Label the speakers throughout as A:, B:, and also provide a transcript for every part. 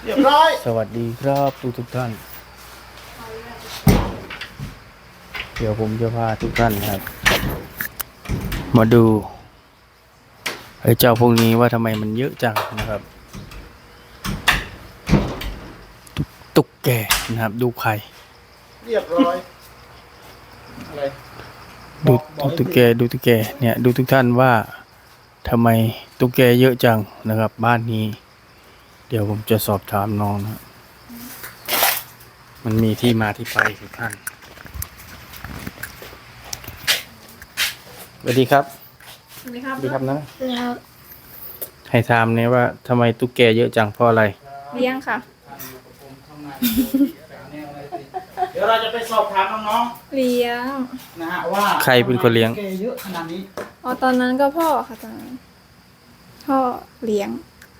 A: เรียบร้อย
B: สวัสดีครับทุกท่านเดี๋ยวผมจะพาทุกท่านนะครับมาดูไอ้เจ้าพวกนี้ว่าทำไมมันเยอะจังนะครับตุ๊กแกนะครับดูไข่
A: เรียบร้อยอะไร
B: ดู
A: บอก
B: ตุ๊กแกเนี่ยดูทุกท่านว่าทำไมตุ๊กแกเยอะจังนะครับบ้านนี้เดี๋ยวผมจะสอบถามน้องนะมันมีที่มาที่ไปทุกท่านสวัสดีครับ
C: สวัสดีครับ
B: สวัสดีครับนะ
C: แล้ว
B: ให้ถามเนี่ยว่าทำไมตุ๊กแกเยอะจังเพราะอะไร
C: เลี้ยงค่ะ
A: เดี๋ยวเราจะไปสอบถามน้อง
C: เลี้ยง
A: ๆนะฮะว่า
B: ใครเป็นคนเลี้ยง
A: ทำไมตุ๊กแกเยอะขนาดนี้
C: อ๋อตอนนั้นก็พ่อค่ะตอนนั้นพ่อเลี้ยง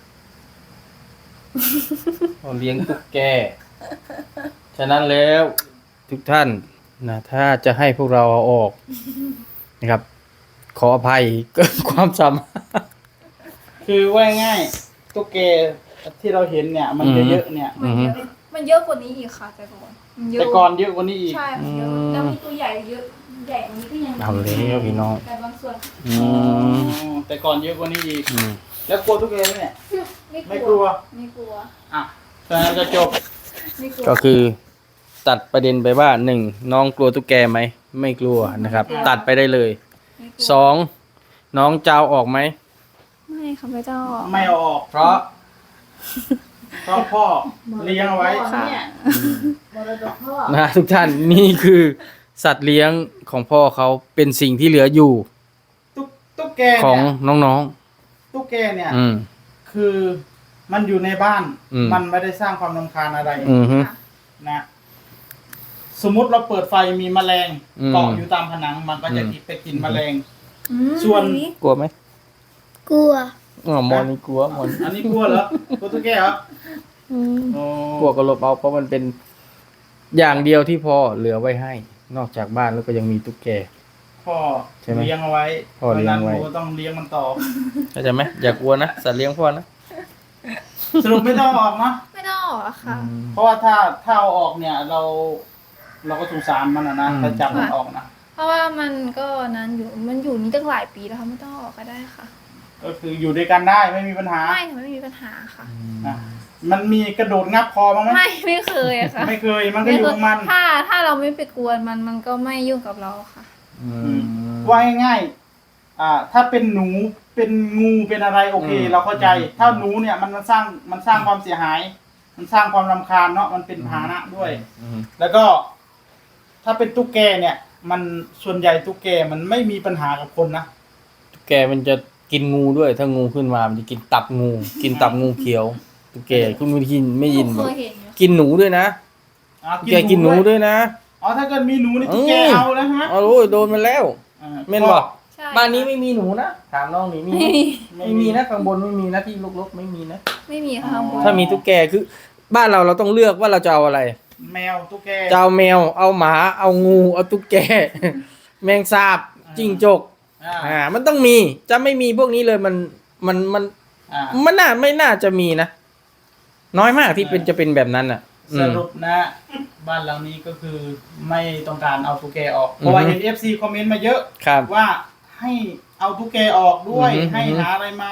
B: เราเลี้ยงตุ๊กแก ฉะนั้นแล้วทุกท่านนะถ้าจะให้พวกเราเอาออกนะครับ ขออภัยเกินความสามารถ
A: คือว่าง่ายๆตุ๊กแกที่เราเห็นเนี่ยมัน
B: อืม
A: เยอะๆเนี่ย
C: มันเยอะกว่านี้อีกค่ะแต่ก่อนมันเยอะ
A: แต่ก่อนเยอะกว่านี้อีก
C: ใช่มันเยอะแล้วมีตัวใหญ่เยอะใหญ่กว่านี้ก็ยังมี
B: เอาแล้วพี่น้อง
C: แต่บางส่วน
B: อืม
A: แต่ก่อนเยอะกว่านี้อีก
B: อืม
A: แล้วกลัวตุ๊กแกไหมเนี่ย
C: ไม่กลัว ไม่กลัว
A: อ่ะฉะนั้นก็จบ
C: ไม่กลัว
B: ก็คือตัดประเด็นไปว่าหนึ่งน้องกลัวตุ๊กแกไหมไม่กลัวนะครับ ตัดไปได้เลย
C: ไม่กลัว
B: สองน้องจะเอาออกไหม
C: ไม่ค่ะไม่ต้อง
A: ไม่เอาออกเพราะพ่อเลี้ยงเอาไว้
C: ค่ะ
B: นะทุกท่านนี่คือสัตว์เลี้ยงของพ่อเขาเป็นสิ่งที่เหลืออยู่
A: ตุ๊กแก
B: ของ
A: เนี่ย
B: น้อง
A: ตุ๊กแกเนี่ย
B: ๆ อืม
A: คือมันอยู่ในบ้าน
B: อืม
A: มันไม่ได้สร้างความรำคาญอะไร
B: อือฮึ
C: ค่ะ
A: นะ สมมุติเราเปิดไฟมีแมลง
B: อืม
A: เกาะอยู่ตามผนัง มันก็จะ
B: อืม
A: ไปกินแมลง
C: อืม
A: ส่วน
B: กลัวไหม
C: กลัว
B: อ๋อมอนนี่กลัวมอน
A: อันนี้กลัวเหรอกลัวตุ๊กแกเหรอ
C: อืม
A: โอ้
B: กลัวก็ลบเอาเพราะมันเป็นอย่างเดียวที่พ่อเหลือไว้ให้ นอกจากบ้านแล้วก็ยังมีตุ๊กแก
A: พ่อ
B: ใช่ไหม
A: เลี้ยงเอาไว้
B: พ่อเลี้ยงไว้
A: พราะฉะนั้นผมก็ต้องเลี้ยงมันต่อ
B: เข้าใจไหมอย่ากลัวนะสัตว์เลี้ยงพ่อนะ
A: สรุปไม่ต้องเอาออกเนาะ
C: ไม่ต้องออกอะค่ะ
A: เพราะว่าถ้าเอาออกเนี่ย เราก็สงสารมันนะถ้าจับมันออกนะ
C: เพราะว่ามันก็นั้นอยู่มันอยู่นี่ตั้งหลายปีแล้วค่ะไม่ต้องออกก็ได้ค่ะ
A: ก็คืออยู่ด้วยกันได้ไม่มีปัญหา
C: ไม่ค่ะไม่มีปัญหาค่ะ
A: นะมันมีกระโดดงับคอบ้างไหม
C: ไม่เคยอะค่ะ
A: ไม่เคย มันก็อยู่ของมัน
C: ถ้าเราไม่ไปกวนมันก็ไม่ยุ่งกับเราค่ะ
B: อืม
A: ว่าง่ายๆถ้าเป็นหนูเป็นงูเป็นอะไรโอเค เราเข้าใจ ถ้าหนูเนี่ยมันสร้างความเสียหาย มันสร้างความรำคาญเนาะมันเป็นพาหนะด้วย
B: อืม
A: แล้วก็ ถ้าเป็นตุ๊กแกเนี่ย มันส่วนใหญ่ตุ๊กแกมันไม่มีปัญหากับคนนะ
B: ตุ๊กแกมันจะกินงูด้วย ถ้างูขึ้นมามันจะกินตับงู กินตับงูเขียวตุ๊กแกคุณไม่ยินไม่ยิน
C: เค
B: บอก
C: ยเห็นอยู่
B: กินหนูด้วยนะ
A: อ๋อ
B: ตุ๊กแกกินหนูด้วยนะ
A: อ๋อถ้าเกิดมีหนูนี่ตุ๊กแกเอาแล้วใช่ไหม
B: เอาโอ้ยโดนมันแล้ว
A: อ่า
B: เม่นบอก
C: ใช่
B: บ้านนี้ไม่มีหนูนะถามน้องนี่มีไหม
C: ไม่มี
B: ไม่มีนะข้างบนไม่มีนะที่ลกๆไม่มีนะ
C: ไม่มีค่ะ
B: ถ้ามีตุ๊กแกคือ บ้านเราต้องเลือกว่าเราจะเอาอะไร
A: แมวตุ๊กแก
B: จะเอาแมวเอาหมาเอางูเอาตุ๊กแก แมงสาบจิ้งจก
A: อ่า
B: มันต้องมีจะไม่มีพวกนี้เลยมัน
A: อ่า
B: ไม่น่าจะมีนะน้อยมากที่เป็นจะเป็นแบบนั้นอ่ะ
A: สรุปนะ บ้านหลังนี้ก็คือไม่ต้องการเอาตุ๊กแกออก เพราะว่าเห็น FC คอมเมนต์มาเยอะ
B: ครับ
A: ว่าให้เอาตุ๊กแกออกด้วย
B: อือฮึ
A: ให้หาอะไรมา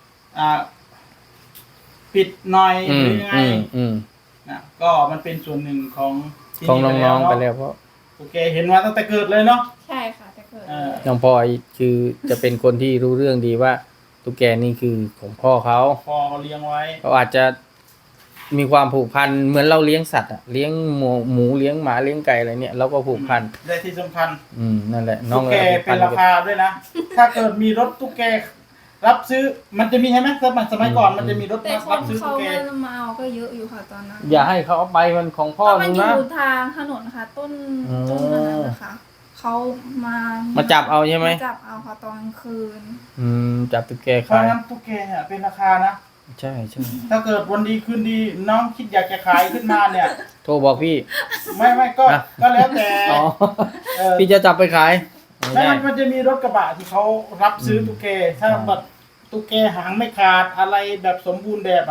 A: ปิดหน่อย
B: อื
A: ห
B: ม
A: รือยังไง
B: อืม
A: นะก็มันเป็นส่วนหนึ่งของที่
B: ของน้องๆไป
A: เนาะ
B: แล้วเพราะ
A: ตุ๊กแกเห็นมาตั้งแต่เกิดเลยเนาะ
C: ใช่ค่ะแต่เกิด
A: เออ
B: น้องพลอยคือจะเป็นคนที่รู้เรื่องดีว่าตุ๊กแกนี่คือของพ่อเขา
A: พอเขาเลี้ยงไว้
B: เขาอาจจะมีความผูกพันเหมือนเราเลี้ยงสัตว์อะเลี้ยงหมูเลี้ยงหมาเลี้ยงไก่อะไรเนี่ยเราก็ผูกพัน
A: ได้ที่สำคัญ
B: นั่นแหละน้อ
A: ตุ๊
B: ง
A: กแก
B: เลยผูก
A: เป็
B: พั
A: น
B: น
A: ราคาด้วยนะ ถ้าเกิดมีรถตุ๊กแกรับซื้อ มันจะมีใช่ไหมสมัยก่อนมันจะมีรถ
C: แต่ค
A: รั
C: น
A: บซื้อ
C: เขา
A: ตุ๊กแก
C: มาเอาก็เยอะอยู่ค่ะตอนนั้น
B: อย่าให้เขาเอาไปมันของพ่อ
C: เพราะมัน
B: มึง
C: อ
B: นะ
C: ยู่ทางถนนค่ะ ต้นนั้นนะคะเขามา
B: มาจับเอาใช่ไหม
C: จับเอาค่ะตอนกลางคืน
B: จับตุ๊กแก
A: เพราะ
B: ขาย
A: งั้นตุ๊กแกเนี่ยเป็นราคานะ
B: ใช่ใช่
A: ถ้าเกิดวันดีคืนดีน้องคิดอยากจะขายขึ้นมาเนี่ย
B: โทรบอกพี่
A: ไม่ก็
B: อ่ะ
A: ก็แล้วแต่
B: อ๋อ
A: เออ
B: พี่จะจับไปขายไม่
A: ไม่
B: ได้
A: มันจะมีรถกระบะที่เขารับซื้อตุ๊กแกถ้าแบบตุ๊กแกหางไม่ขาดอะไรแบบสมบูรณ์แบบอ่ะเขา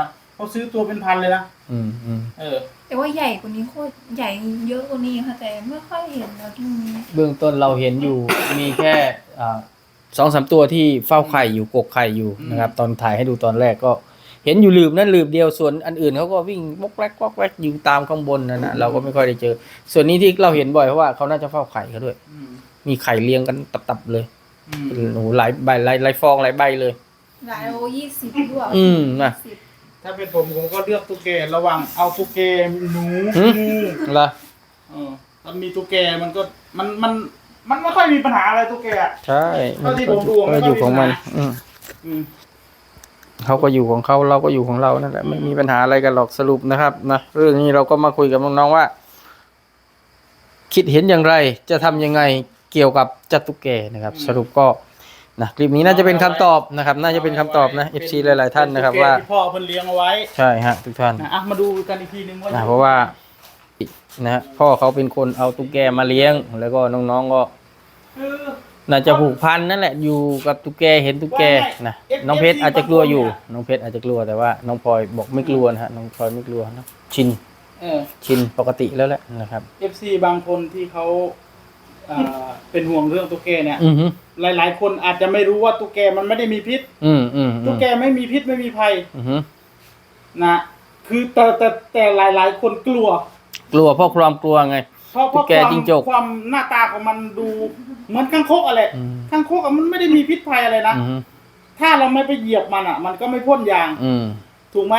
A: เขาซื้อตัวเป็นพันเลยนะ
B: อืม
C: แต่ว่าใหญ่กว่านี้โคตรใหญ่เยอะกว่านี้ค่ะแต่ไม่ค่อยเห็นแล้วที่นี้
B: เบื้องต้นเราเห็นอยู่ มีแค่2-3 ตัวที่เฝ้าไข่อยู่กกไข่อยู่นะครับ ตอนถ่ายให้ดูตอนแรกก็เห็นอยู่หลืบนั่นหลืบเดียวส่วนอันอื่นเขาก็วิ่งวอกแวกวอกแวกอยู่ตามข้างบนนั่นนะเราก็ไม่ค่อยได้เจอ ส่วนนี้ที่เราเห็นบ่อยเพราะว่าเขาน่าจะเฝ้าไข่เขาด้วย
A: อืม
B: มีไข่เรียงกันตับๆเลย
A: อืม
B: โอ้โหหลายใบหลายฟองหลายใบเลย
C: หลายโล20ด้วย
B: นะ
C: 20
A: ถ้าเป็นผมก็เลือกตุ๊กแกระหว่างเอาตุ๊กแกหนู
B: หึ
A: งู
B: เหรอ
A: มันมีตุ๊กแกมันก็มันไม่ค่อยมีปัญหาอะไรตุ๊กแกอะ
B: ใช่
A: เท่าที่ผมดู
B: ก็อยู่ของมัน
A: อืม
B: เขาก็อยู่ของเขาเราก็อยู่ของเรานั่นแหละไม่มีปัญหาอะไรกันหรอกสรุปนะครับนะเรื่องนี้เราก็มาคุยกับน้องๆว่า คิดเห็นอย่างไรจะทำยังไงเกี่ยวกับจัตุแกนะครับ สรุปก็นะคลิปนี้น่าจะเป็นคำตอบนะครับ น่าจะเป็นคำตอบนะ FC หลายๆท่านนะครับว่า
A: ตุ๊กแกที่พ่อเพิ่นเลี้ยงเอาไว้
B: ใช่ฮะทุกท่าน
A: นะมาดูกันอีกทีนึงว่า
B: เพราะว่านะพ่อเขาเป็นคนเอาตุ๊กแกมาเลี้ยง แล้วก็น้องๆก็
A: เออ
B: น่าจะผูกพันนั่นแหละอยู่กับตุ๊กแกเห็นตุ๊กแกนะน้องเพชรอาจจะกลัวอยู่น้องเพชรอาจจะกลัวแต่ว่าน้องพลอยบอกไม่กลัวนะฮะน้องพลอยไม่กลัวนะชินปกติแล้วแหละนะครับ
A: FC บางคนที่เขาเป็นห่วงเรื่องตุ๊กแกเนี่ย
B: อือฮึ
A: หลายๆ คนอาจจะไม่รู้ว่าตุ๊กแกมันไม่ได้มีพิษ ตุ๊กแกไม่มีพิษไม่มีภัย
B: อือฮึ
A: นะคือแต่หลายๆ คนกลัว
B: กลัวเพราะความกลัวไง
A: เพราะ
B: ตุ๊กแกจิ้งจก
A: ความหน้าตาของมันดูเหมือนข้างคกอะไร
B: อืม
A: ข้างคกอะมันไม่ได้มีพิษภัยอะไรนะ
B: อือฮึ
A: ถ้าเราไม่ไปเหยียบมันอ่ะ มันก็ไม่พ่นยาง ถูกไหม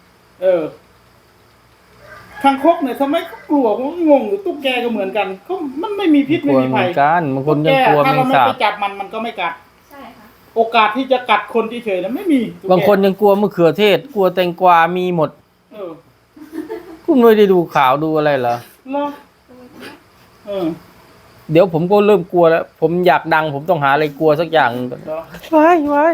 A: ข้างคกเนี่ยทำไมเขากลัวผมก็งงอยู่ตุ๊กแกก็เหมือนกันเขามันไม่มีพิษ
B: ก
A: ไม่
B: ลัว
A: มี
B: เหมื
A: ภั
B: อย นกันบางคนยังกลัว
A: ถ้า
B: แม
A: เรา
B: ง
A: ไม่
B: สาบ
A: ไปจับมันก็ไม่กัด
C: ใช่ค่ะ
A: โอกาสที่จะกัดคนที่เฉยๆนะไม่มีตุ๊กแก
B: บางคนยังกลัวมะเขือเทศ กลัวแตงกวามีหมด
A: เออ
B: คุณไม่ได้ดูข่าวดูอะไรเหรอ
A: เหรอเออ
B: เดี๋ยวผมก็เริ่มกลัวแล้ว ผมอยากดัง ผมต้องหาอะไรกลัวสักอย่าง
A: เหรอ
B: ไว้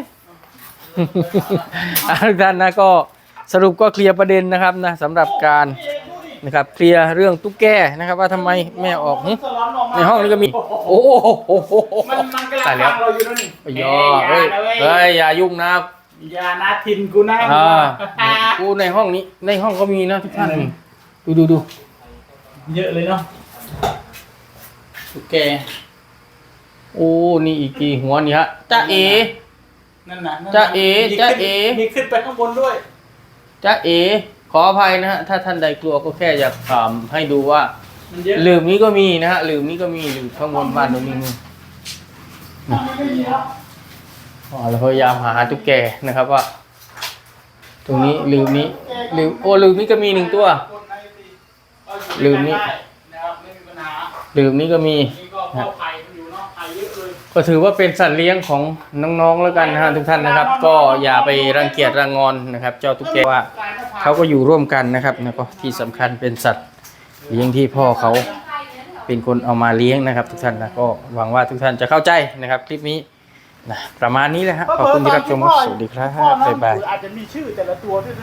B: ทุกท่านนะก็สรุปก็เคลียร์ประเด็นนะครับนะสำหรับการนะครับเคลียร์เรื่องตุ๊กแกนะครับ ว่าทำไมแม่ออกหึ
A: สลอนออกมา
B: ในห้องนี้ก็มี โอ้โห
A: มันกำลัง
B: ตายแล้ว
A: ฟังเราอยู่แล้วนี่
B: ย่อเฮ้ย
A: เฮ้ย
B: อย่ายุ่งนะ
A: อย่านะทินกูนะ
B: กูในห้องนี้ในห้องก็มีนะทุกท่านนี่ดู
A: เยอะเลยเนาะตุ๊กแก
B: โอ้นี่อีกกี่หัวนี่ฮะจ้าเอ
A: นั่นน่ะนั่นน่ะ
B: จ๊ะเอ๋
A: มี
B: จ๊ะ
A: ขึ้น
B: เอ๋
A: มีขึ้นไปข้างบนด้วย
B: จ้าเอขออภัยนะฮะถ้าท่านใดกลัวก็แค่อยากถามให้ดูว่า
A: มันเยอะ
B: หลืมนี้ก็มีนะฮะหลืมนี้ก็มีหลืมข้างบนบ้านตรงนี้มี
A: ไม่มีแล้ว
B: เราพยายามหาตุ๊กแกนะครับว่า ตรงนี้ลืมนี้ลืมโอ้ลืมนี้ก็มี1 ตัว ลืมนี่
A: นะครับไม่มีปัญหา
B: ลืมนี้ก็มี
A: นี่ก็เข้าไข่มันอยู่เนาะไข่เยอะเลย
B: ก็ถือว่าเป็นสัตว์เลี้ยงของน้องๆแล้วกันนะฮะทุกท่านนะครับ ก็อย่าไปรังเกียจรังงอนนะครับ เจ้าตุ๊กแกว่าเขาก็อยู่ร่วมกันนะครับแล้วก็ที่สำคัญเป็นสัตว์เลี้ยงที่พ่อเขาเป็นคนเอามาเลี้ยงนะครับ ทุกท่านนะก็หวังว่าทุกท่านจะเข้าใจนะครับ คลิปนี้นะประมาณนี้แหละฮะขอบคุณที่รับชมครับสวัสดีครับ
A: พ่อน้อง
B: บ๊ายบาย
A: อาจจะมีชื่อแต่ละตัวที่